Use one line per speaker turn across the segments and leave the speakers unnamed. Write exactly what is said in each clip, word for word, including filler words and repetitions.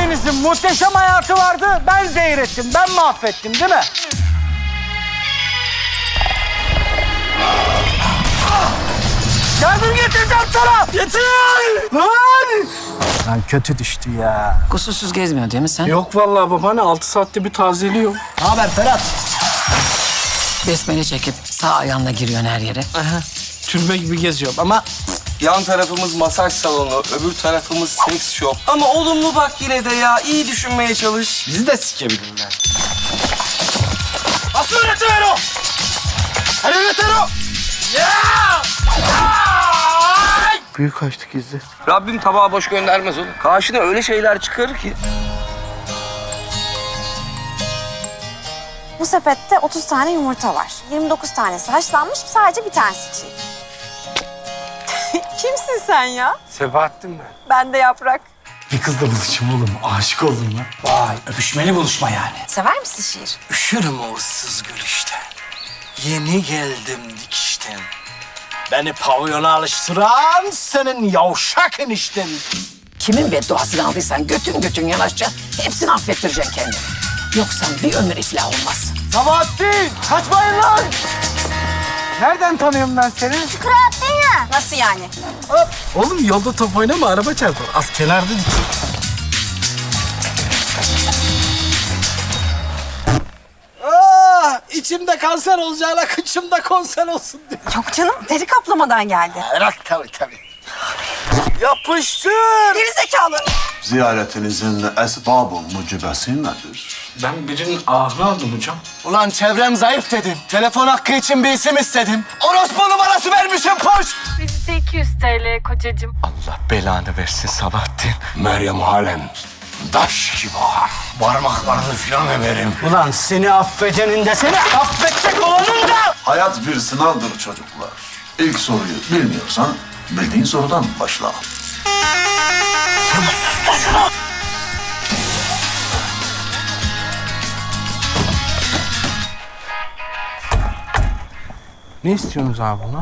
Hepinizin muhteşem hayatı vardı. Ben zehir ettim, ben mahvettim değil mi? Yardım getireceğim sana! Getir! Lan! Lan kötü düştü ya.
Kusursuz gezmiyor değil mi sen?
Yok vallahi babaanne, altı saatte bir tazeliyor.
Ne haber Ferhat?
Besmele çekip sağ ayağınla giriyorsun her yere.
Aha, türbe gibi geziyorum ama
Yan tarafımız masaj salonu, öbür tarafımız seks shop. Ama olumlu bak yine de ya. İyi düşünmeye çalış.
bizi de sikebilirler.
Nasıl öğretiver o? Sen öğreten o!
Büyük açtık izle.
Rabbim tabağı boş göndermez oğlum. Karşına öyle şeyler çıkarır ki.
Bu sepette otuz tane yumurta var. yirmi dokuz tanesi haşlanmış, sadece bir tanesi çiğ. Kimsin sen ya?
Sebahattin ben.
Ben de Yaprak.
Bir kızla buluşum oğlum. Aşık oldum lan.
Vay, öpüşmeli buluşma yani.
Sever misin şiir?
Üşürüm o ıssız gülüşten. Yeni geldim dikişten. Beni pavyona alıştıran senin yavşak enişten.
Kimin bedduasını aldıysan götün götün yanaşça hepsini affettireceksin kendini. Yoksa bir ömür iflah olmaz.
Sabahattin, kaçmayın lan! Nereden tanıyorum ben seni?
Nasıl yani?
Oğlum yolda top oynama, araba çarpar. Az kenarda dik.
Ah, içimde kanser olacağına kıçımda konser olsun diyor.
Yok canım, deri kaplamadan geldi.
Bırak tabii tabii. Yapıştır!
Geri zekalı.
Ziyaretinizin esbab-ı mucibesi nedir?
Ben birinin ahını aldım hocam.
Ulan çevrem zayıf dedim. Telefon hakkı için bir isim istedim. Orospu numarası vermişim poş.
Bizde iki yüz T L kocacığım.
Allah belanı versin Sabahattin.
Meryem halen daş gibi ağır. Parmaklarını filan emerim.
Ulan seni affedenin de seni affedecek olanın da.
Hayat bir sınavdır çocuklar. İlk soruyu bilmiyorsan bildiğin sorudan başla.
Ne istiyorsunuz abi buna?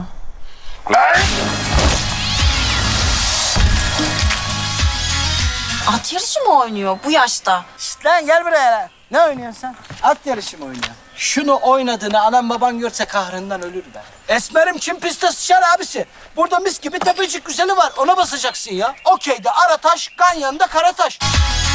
At yarışı mı oynuyor bu yaşta?
Şişt lan gel buraya lan. Ne oynuyorsun sen? At yarışı mı oynuyorsun? Şunu oynadığını anam baban görse kahrından ölür be. Esmerim kim piste sıçar abisi. Burada mis gibi tepecik güzeli var. Ona basacaksın ya. Okey'de Arataş, Ganyan'da Karataş.